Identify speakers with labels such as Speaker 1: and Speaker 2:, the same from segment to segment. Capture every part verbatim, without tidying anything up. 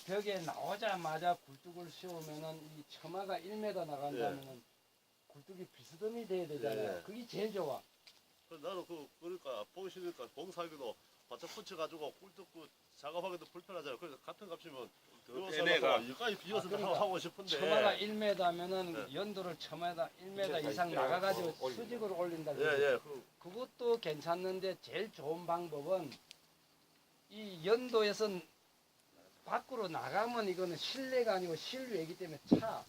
Speaker 1: 벽에 나오자마자 굴뚝을 씌우면은 이 처마가 일 미터 나간다면은 굴뚝이 비스듬히 돼야 되잖아요.
Speaker 2: 예.
Speaker 1: 그게 제일 좋아.
Speaker 2: 그래서 나는 그 그러니까 보기 싫으니까 봉사하기도 바짝 붙여가지고 꿀떡 그 작업하기도 불편하잖아요. 그래서 같은 값이면
Speaker 3: 빼내가.
Speaker 2: 여기까지 비워서
Speaker 1: 아, 그러니까
Speaker 2: 하고 싶은데.
Speaker 1: 처마가 일 미터면은
Speaker 2: 네.
Speaker 1: 연도를 처마다 일 미터
Speaker 3: 이제
Speaker 1: 이상
Speaker 3: 다
Speaker 1: 나가가지고
Speaker 3: 어, 올린다.
Speaker 1: 수직으로 올린다.
Speaker 2: 예, 예. 그,
Speaker 1: 그것도 괜찮는데 제일 좋은 방법은 이 연도에서 밖으로 나가면 이거는 실내가 아니고 실외이기 때문에 차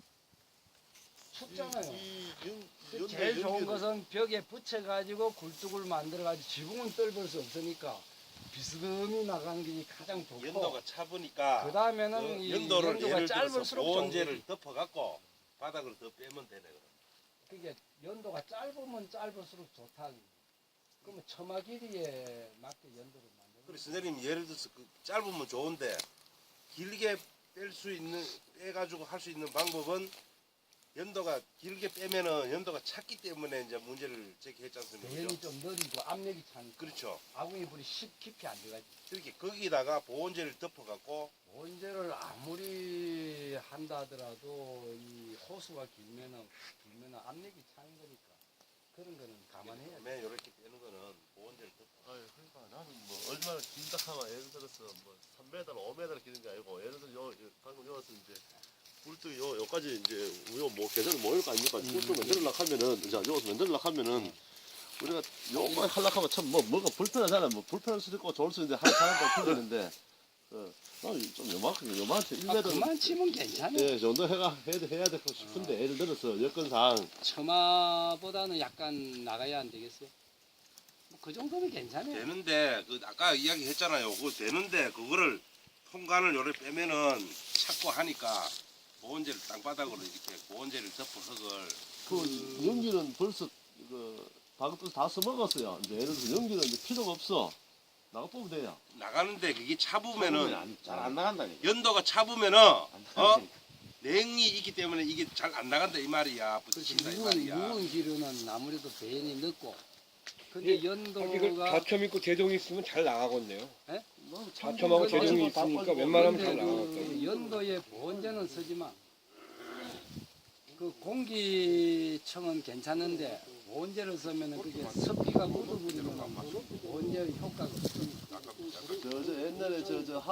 Speaker 1: 춥잖아요.
Speaker 2: 이, 이, 연-
Speaker 1: 그
Speaker 2: 연도
Speaker 1: 제일 좋은
Speaker 2: 연기를-
Speaker 1: 것은 벽에 붙여가지고 굴뚝을 만들어가지고 지붕은 뚫을 수 없으니까 비스듬히 나가는 게 가장 좋고
Speaker 3: 연도가 차보니까
Speaker 1: 그 다음에는
Speaker 3: 그
Speaker 1: 이
Speaker 3: 연도를
Speaker 1: 연도가
Speaker 3: 예를 들어서
Speaker 1: 짧을수록 좋은
Speaker 3: 보온재를
Speaker 1: 거지.
Speaker 3: 덮어갖고 바닥을 더 빼면 되네. 그럼.
Speaker 1: 그게 연도가 짧으면 짧을수록 좋다. 그러면 처마 길이에 맞게 연도를 만들어.
Speaker 3: 그래 선생님 예를 들어서 그 짧으면 좋은데 길게 뺄 수 있는 빼가지고 할 수 있는 방법은 연도가 길게 빼면은 연도가 찼기 때문에 이제 문제를 제기했지 않습니까?
Speaker 1: 배연이 좀 느리고 압력이 차니까
Speaker 3: 그렇죠.
Speaker 1: 아궁이 불이 쉽 깊이 안 들어가지.
Speaker 3: 이렇게 거기다가 보온재를 덮어갖고
Speaker 1: 원재를 아무리 한다 하더라도 이 호수가 길면은 길면은 압력이 차는 거니까 그런 거는 감안해야 돼.
Speaker 3: 맨 이렇게 빼는 거는 보온재를 덮어.
Speaker 2: 아유, 그러니까 나는 뭐 얼마나 긴다 하면 예를 들어서 뭐 삼 미터, 오 미터 기는 게 아니고 예를 들어서 요, 요 방금 여기서 이제 꿀뚝 요 요까지 이제 요뭐 계절 모일 거 아닙니까? 꿀뚝 만들려고 하면은 자 여기서 만들려고 하면은 우리가 요만 하려고 하면 참 뭐 뭐가 불편하잖아. 뭐 불편할 수도 있고 좋을 수도 있는데 할 사람도 틀리는데 어, 나는 좀 요만큼 요만큼 일
Speaker 1: 아,
Speaker 2: 미터
Speaker 1: 그만 치면 괜찮아.
Speaker 2: 예, 정도 해가 해야, 해야 되고 싶은데 예를 들어서 여건상
Speaker 1: 처마보다는 약간 나가야 안 되겠어? 뭐 그 정도는 괜찮아요.
Speaker 3: 되는데 그 아까 이야기했잖아요. 그거 되는데 그거를 통관을 요래 빼면은 찾고 하니까 보온재를 땅바닥으로 이렇게 보온재를 덮어 흙을
Speaker 2: 그 연기는 벌써 그 방금 다 써먹었어요. 이제 예를 들어서 연기는 이제 필요가 없어. 나가 뽑으면 돼요.
Speaker 3: 나가는데 그게 차부면은
Speaker 4: 잘 안 나간다니까.
Speaker 3: 연도가 차부면은
Speaker 4: 안
Speaker 3: 어
Speaker 4: 나간다니까.
Speaker 3: 냉이 있기 때문에 이게 잘 안 나간다 이 말이야. 부딪힌다 이
Speaker 1: 묵은,
Speaker 3: 말이야.
Speaker 1: 묵은 기류는 아무래도 배연이 늦고 근데
Speaker 5: 이거
Speaker 1: 연도가
Speaker 5: 자첨 있고 제동이 있으면 잘 나가겠네요.
Speaker 1: 예?
Speaker 5: 자첨하고
Speaker 1: 그거
Speaker 5: 제동이
Speaker 2: 다
Speaker 5: 있으니까
Speaker 2: 빠지고.
Speaker 5: 웬만하면
Speaker 1: 근데
Speaker 5: 잘
Speaker 1: 그
Speaker 5: 나가겠다.
Speaker 1: 연도에 보온제는 쓰지만 그 공기청은 괜찮은데 보온제를 쓰면은 그게 습기가 묻어버리면 보온제 효과가 없으니까.
Speaker 2: 저, 저 옛날에 저, 저